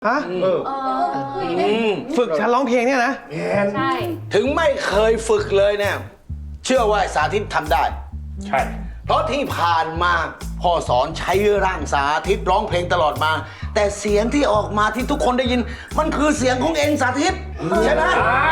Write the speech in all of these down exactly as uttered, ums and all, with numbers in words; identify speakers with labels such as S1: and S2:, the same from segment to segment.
S1: ฮะเออฝึกฉันร้องเพลงเนี่ยนะ
S2: ใช่
S3: ถึงไม่เคยฝึกเลยเนี่ยเชื่อว่าสาธิตทำได้
S4: ใช่
S3: เพราะที่ผ่านมาพ่อสอนใช้ร่างสาธิตร้องเพลงตลอดมาแต่เสียงที่ออกมาที่ทุกคนได้ยินมันคือเสียงของเองสาธิตใช่ไหม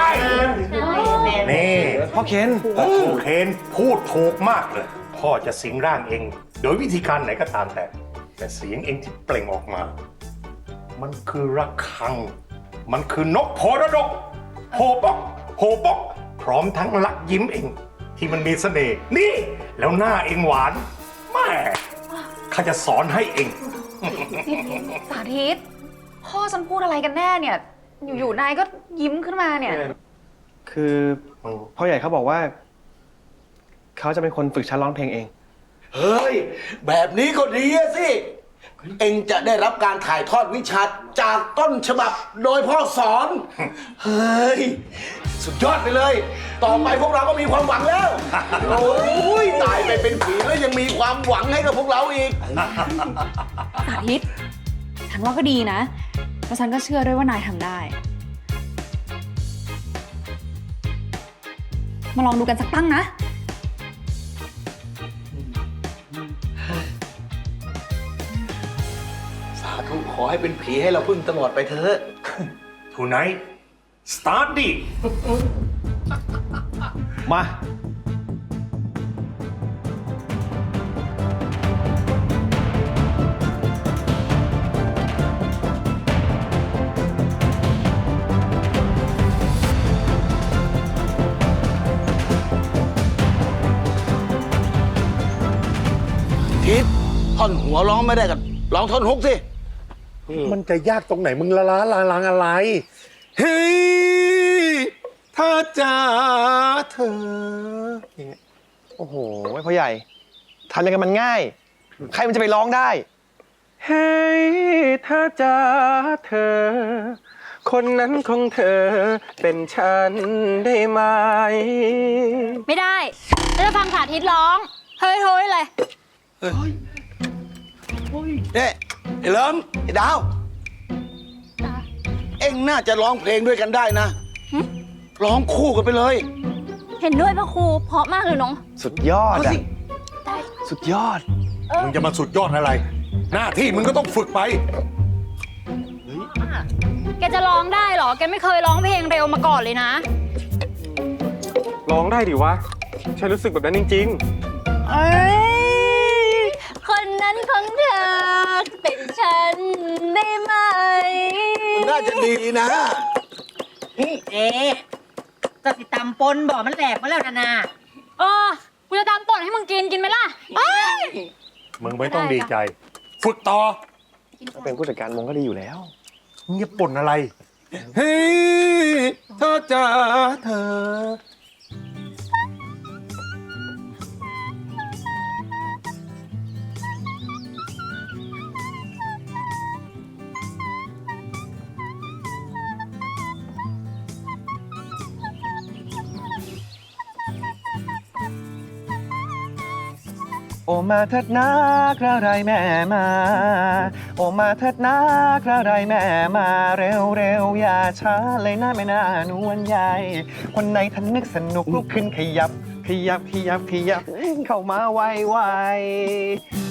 S4: นี่
S1: พ่อเคน
S4: พ่อเคนพูดถูกมากเลยพ่อจะสิงร่างเองโดยวิธีการไหนก็ตามแต่แต่เสียงเองที่เปล่งออกมามันคือระฆังมันคือนกโพระดกโฮปอกโฮปอกพร้อมทั้งลักยิ้มเองที่มันมีเสน่ห์นี่แล้วหน้าเองหวานแม่ข้าจะสอนให้เอง
S2: สาธิตพ่อฉันพูดอะไรกันแน่เนี่ยอยู่ๆนายก็ยิ้มขึ้นมาเนี่ย
S1: คือพ่อใหญ่เขาบอกว่าเขาจะเป็นคนฝึกฉันร้องเพลงเอง
S3: เฮ้ยแบบนี้ก็ดีสิเองจะได้รับการถ่ายทอดวิชาจากต้นฉบับโดยพ่อสอนเฮ้ยสุดยอดไปเลยต่อไปพวกเราก็มีความหวังแล้วโอ้ยตายไปเป็นผีแล้วยังมีความหวังให้กับพวกเราอีก
S2: สาธิตฉันว่าก็ดีนะแล้วฉันก็เชื่อด้วยว่านายทำได้มาลองดูกันสักตั้งนะ
S3: สาธุขอให้เป็นผีให้เราพึ่งตลอดไปเถอะ
S4: Tonight start ดิ
S1: มา
S3: ทิศท่อนหัวร้องไม่ได้กันร้องท่อนฮุกสิ
S4: มันจะยากตรงไหนมึงละล้าลาลังอะไรเฮ้ยถ้าจ๋าเธอ
S1: โอ้โหพ่อใหญ่ทำยังไงมันง่ายใครมันจะไปร้องได้เฮ้ยถ้าจ๋าเธอคนนั้นของเธอเป็นฉันได้ไหม
S2: ไม่ได้เราจะฟังสาธิตร้องเฮ้ยโฮ้ยเลย
S3: เฮ้ยเนี่ยไอ้เลิมไอ้ดาวเอ็งน่าจะร้องเพลงด้วยกันได้นะร้องคู่กันไปเลย
S2: เห็นด้วยพ่อครูเพราะมากเลยน้อง
S1: สุดยอดอะสุดยอด
S4: มึงจะมาสุดยอดอะไรหน้าที่มึงก็ต้องฝึกไป
S2: แกจะร้องได้เหรอแกไม่เคยร้องเพลงเร็วมาก่อนเลยนะ
S1: ร้องได้ดิวะฉันรู้สึกแบบนั้นจริงๆ
S2: เอ้ยคนนั้นของเธอเป็นฉันได้ไหม
S3: มันน่าจะดีนะ
S5: เอ๊ะจะติดตามปนบอกมันแหลกมาแล้วนะนา
S2: เออกูจะตามป่นให้มึงกินกินไหมล่ะเอ้ย
S4: มึงไม่ต้องดีใจฝึกต่อ
S1: เป็นผู้จัดการวงก็ดีอยู่แล้ว
S4: มึงจะป่นอะไรเฮ้ยเธอจ๋าเธอ
S1: โอมาเถิดนะกระไรแม่มาโอมาเถิดนะกระไรแม่มาเร็วเร็วอย่าช้าเลยนะแม่นานวลใหญ่คนไหนท่านนึกสนุกลุกขึ้นขยับขยับขยับขยับเข้ามาไวไว